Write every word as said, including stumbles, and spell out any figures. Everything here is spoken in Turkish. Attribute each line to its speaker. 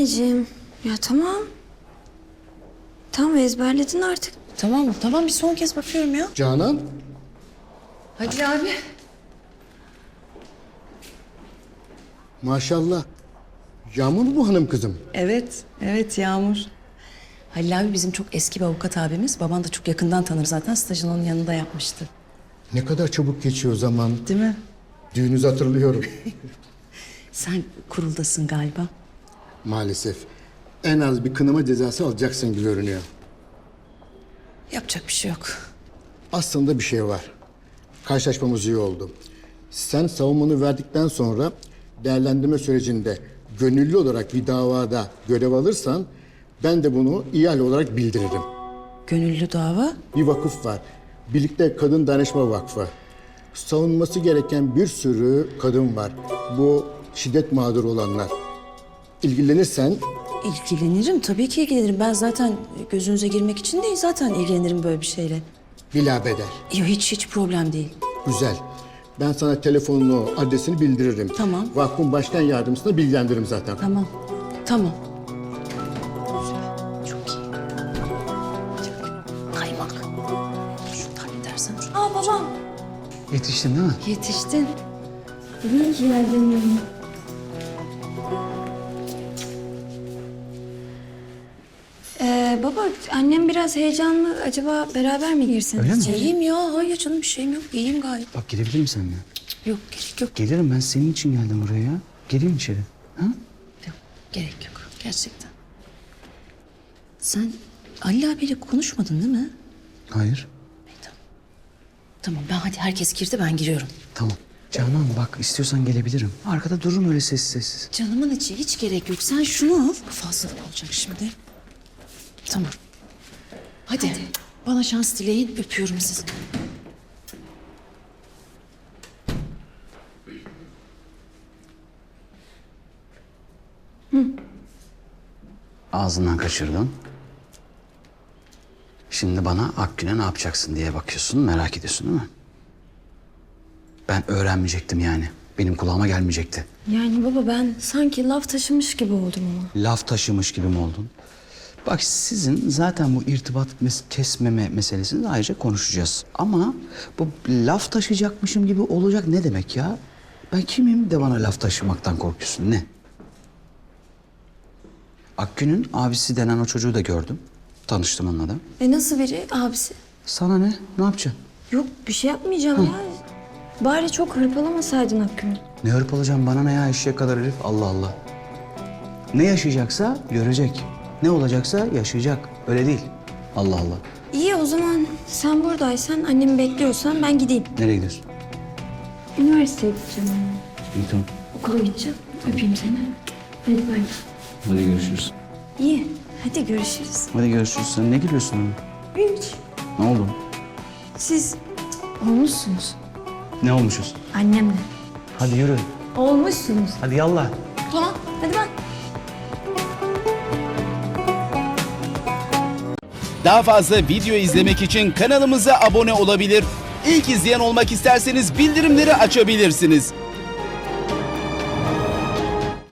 Speaker 1: anneciğim. Ya tamam. Tamam ezberledin artık.
Speaker 2: Tamam tamam bir son kez bakıyorum ya.
Speaker 3: Canan,
Speaker 2: Hadi abi.
Speaker 3: maşallah. Yağmur mu bu hanım kızım?
Speaker 2: Evet, evet Yağmur. Halil abi bizim çok eski bir avukat abimiz. Baban da çok yakından tanır zaten. Stajını onun yanında yapmıştı.
Speaker 3: Ne kadar çabuk geçiyor zaman.
Speaker 2: Değil mi?
Speaker 3: Düğünüzü hatırlıyorum.
Speaker 2: Sen kuruldasın galiba.
Speaker 3: Maalesef. En az bir kınama cezası alacaksın gibi görünüyor.
Speaker 2: Yapacak bir şey yok.
Speaker 3: Aslında bir şey var. Karşılaşmamız iyi oldu. Sen savunmanı verdikten sonra değerlendirme sürecinde gönüllü olarak bir davada görev alırsan ben de bunu ihale olarak bildiririm.
Speaker 2: Gönüllü dava.
Speaker 3: Bir vakıf var. Birlikte Kadın Danışma Vakfı. Savunması gereken bir sürü kadın var. Bu şiddet mağduru olanlar. İlgilenirsen
Speaker 2: İlgilenirim tabii ki ilgilenirim. Ben zaten gözünüze girmek için değil zaten ilgilenirim böyle bir şeyle.
Speaker 3: bilabeder.
Speaker 2: Yok hiç hiç problem değil.
Speaker 3: Güzel. Ben sana telefonunu, adresini bildiririm.
Speaker 2: Tamam.
Speaker 3: Vakfın başkan yardımcısına bilgilendiririm zaten.
Speaker 2: Tamam. Tamam. Çok iyi. Kaymak. Şunu halledersen. Şunu.
Speaker 1: Aa babam.
Speaker 4: Yetiştin değil mi?
Speaker 2: Yetiştin.
Speaker 1: İyi ki geldin. Ee, baba annem biraz heyecanlı. Acaba beraber mi girseniz?
Speaker 4: Öyle mi?
Speaker 1: içeri?
Speaker 2: İyiyim ya. Hayır canım bir şeyim yok. İyiyim gayet.
Speaker 4: Bak gelebilir misin seninle?
Speaker 2: Yok gerek yok.
Speaker 4: Gelirim, ben senin için geldim buraya ya. Geleyim içeri. Ha?
Speaker 2: Yok gerek yok. Gerçekten. Sen Ali abiyle konuşmadın değil mi?
Speaker 4: Hayır.
Speaker 2: İyi, tamam. Tamam ben hadi herkes girdi ben giriyorum.
Speaker 4: Tamam. Canan bak, istiyorsan gelebilirim. Arkada dururum öyle sessiz sessiz.
Speaker 2: Canımın içi hiç gerek yok. Sen şunu al. Bu fazlalık olacak şimdi. Tamam. Hadi. Bana şans dileyin. Öpüyorum sizi.
Speaker 4: Ağzından kaçırdın. Şimdi bana Akgün'e ne yapacaksın diye bakıyorsun, merak ediyorsun değil mi? Ben öğrenmeyecektim yani. Benim kulağıma gelmeyecekti.
Speaker 1: Yani baba ben sanki laf taşımış gibi oldum ama.
Speaker 4: Laf taşımış gibi mi oldun? Bak sizin zaten bu irtibat mes- kesmeme meselesini ayrıca konuşacağız. Ama bu laf taşıyacakmışım gibi olacak ne demek ya? Ben kimim de bana laf taşımaktan korkuyorsun, ne? Akgün'ün abisi denen o çocuğu da gördüm. Tanıştım onunla da.
Speaker 1: E nasıl biri abisi?
Speaker 4: Sana ne? Ne yapacaksın?
Speaker 1: Yok bir şey yapmayacağım ya. Bari çok hırpalamasaydın Hakkı'nı.
Speaker 4: Ne hırpalacağım, bana ne ya eşeğe kadar herif, Allah Allah. Ne yaşayacaksa görecek. Ne olacaksa yaşayacak. Öyle değil. Allah Allah.
Speaker 1: İyi o zaman sen buradaysan annemi bekliyorsan ben gideyim.
Speaker 4: Nereye gidiyorsun?
Speaker 1: Üniversiteye gideceğim.
Speaker 4: İyi tamam.
Speaker 1: Okula gideceğim. Öpeyim seni. Hadi bay.
Speaker 4: Hadi görüşürüz.
Speaker 1: İyi. Hadi görüşürüz.
Speaker 4: Hadi görüşürüz. Sen ne gülüyorsun oğlum?
Speaker 1: Hiç.
Speaker 4: Ne oldu?
Speaker 1: Siz olmuşsunuz.
Speaker 4: Ne olmuşuz?
Speaker 1: Annemle.
Speaker 4: Hadi yürü.
Speaker 1: Olmuşsunuz.
Speaker 4: Hadi yallah.
Speaker 1: Tamam. Hadi bak.
Speaker 5: Daha fazla video izlemek için kanalımıza abone olabilir. İlk izleyen olmak isterseniz bildirimleri açabilirsiniz.